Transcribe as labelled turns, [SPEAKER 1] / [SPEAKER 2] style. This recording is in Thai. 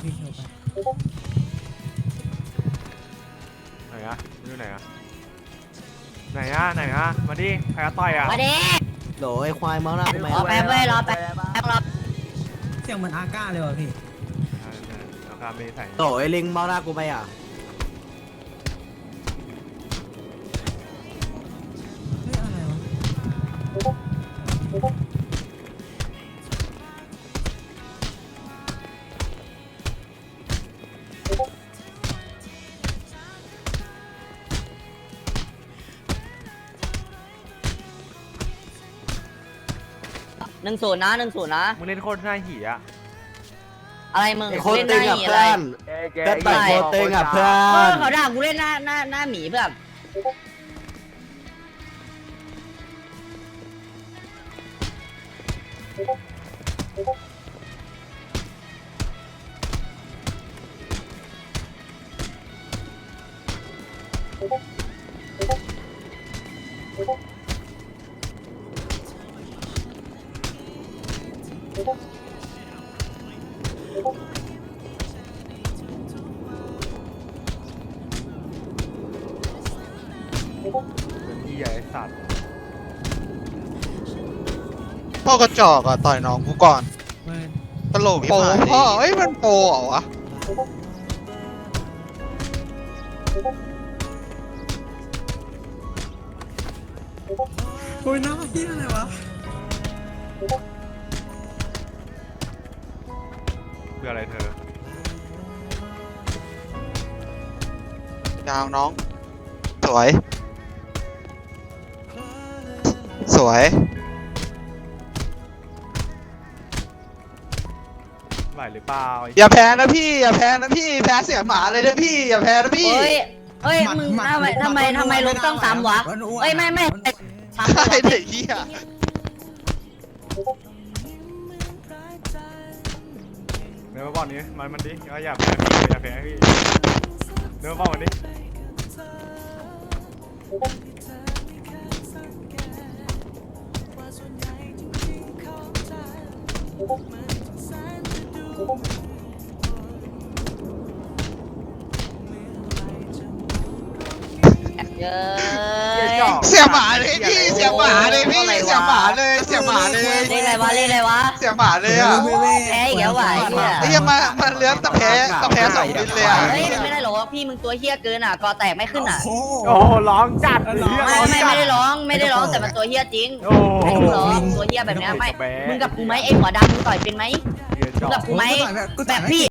[SPEAKER 1] พี่เขียวไป
[SPEAKER 2] ไหนอะอยู่ไหนอะไหนอะไหนอะมาดิใครจะต่อยอะ
[SPEAKER 3] มาดิ
[SPEAKER 4] โหลไอ้ควายเมาหน้ากูไหม
[SPEAKER 3] รอแป๊บเว้ยรอแป๊บรอ
[SPEAKER 1] เสียงเหมือนอาก้าเลยว่ะพี่
[SPEAKER 2] ราคาไม่ใส่
[SPEAKER 4] โหลไอ้ลิงเมาหน้ากูไปอ่ะ
[SPEAKER 1] เฮ้ยอะไรวะ
[SPEAKER 3] 10นะ10นะ
[SPEAKER 2] มึงเล่นโคตรหน้าหีอะ
[SPEAKER 3] อะไรมึง
[SPEAKER 4] ไอ้โคตร
[SPEAKER 3] เล่นห
[SPEAKER 4] ตึ
[SPEAKER 3] น้าง ห
[SPEAKER 4] อ่ะ
[SPEAKER 3] นีอะไร
[SPEAKER 4] เพื่อนเด็ดไปโคตรตึงอ่ะเพื่อ
[SPEAKER 3] เออน เขาด่ากูเล่นหน้าหมีเพื่อน
[SPEAKER 2] เป็นที่ใหญ่สัตว์
[SPEAKER 5] พ่อกระจอกอ่ะต่อยน้องกูก่อน
[SPEAKER 1] เว้ย
[SPEAKER 5] ตลกโปพ่อเอ้ยมันโปเหรอวะ
[SPEAKER 1] โอ้ยน้าเฮียอะไรวะ
[SPEAKER 2] เพื่ออะไรเธอย
[SPEAKER 5] าวน้อง สวย สวย
[SPEAKER 2] ไหวหรือเปล่า
[SPEAKER 5] อย่าแพ้นะพี่อย่าแพ้นะพี่แพ้เสียหมาเลยนะพี่อย่าแพ้นะพี่
[SPEAKER 3] เฮ้ยมึงทำไมลบต้องซ้ำวะเอ้ยไม่ซ้ำ
[SPEAKER 5] ใช่เด็กเหี้ย
[SPEAKER 2] เดินมาบอกนี้มันดิอย่าแพ้พี่อย่าแพ้พี่เดินมาบอกมันดิ
[SPEAKER 3] เยอะ
[SPEAKER 5] เสียหมาเลยพี่เสียหมาเลยพี่เสียหมาเลยเสียหมาเลย
[SPEAKER 3] เล่นอะไรวะ
[SPEAKER 5] เสียหมาเลยอ่ะ
[SPEAKER 3] แพ้อีกแล้ววะ
[SPEAKER 5] ไอ้เหี้ยมันเลื้อนตะแพ้สองดินเลยอ่ะ
[SPEAKER 3] เฮ้ยไม่ได้หรอกพี่มึงตัวเฮี้ยเกินอ่ะกอแตกไม่ขึ้นอ่ะ
[SPEAKER 1] โอ้โห
[SPEAKER 2] โอ้โหร้องจัดเหี้ย
[SPEAKER 3] ไม่ได้ร้องแต่มันตัวเฮี้ยจริง
[SPEAKER 2] โอ้โห
[SPEAKER 3] ไม่ต้องร้องตัวเฮี้ยแบบนี้ไม่มึงกับกูไหมไอหัวดำมึงต่อยเป็นไหมมึงกับกูไหมแบบพี่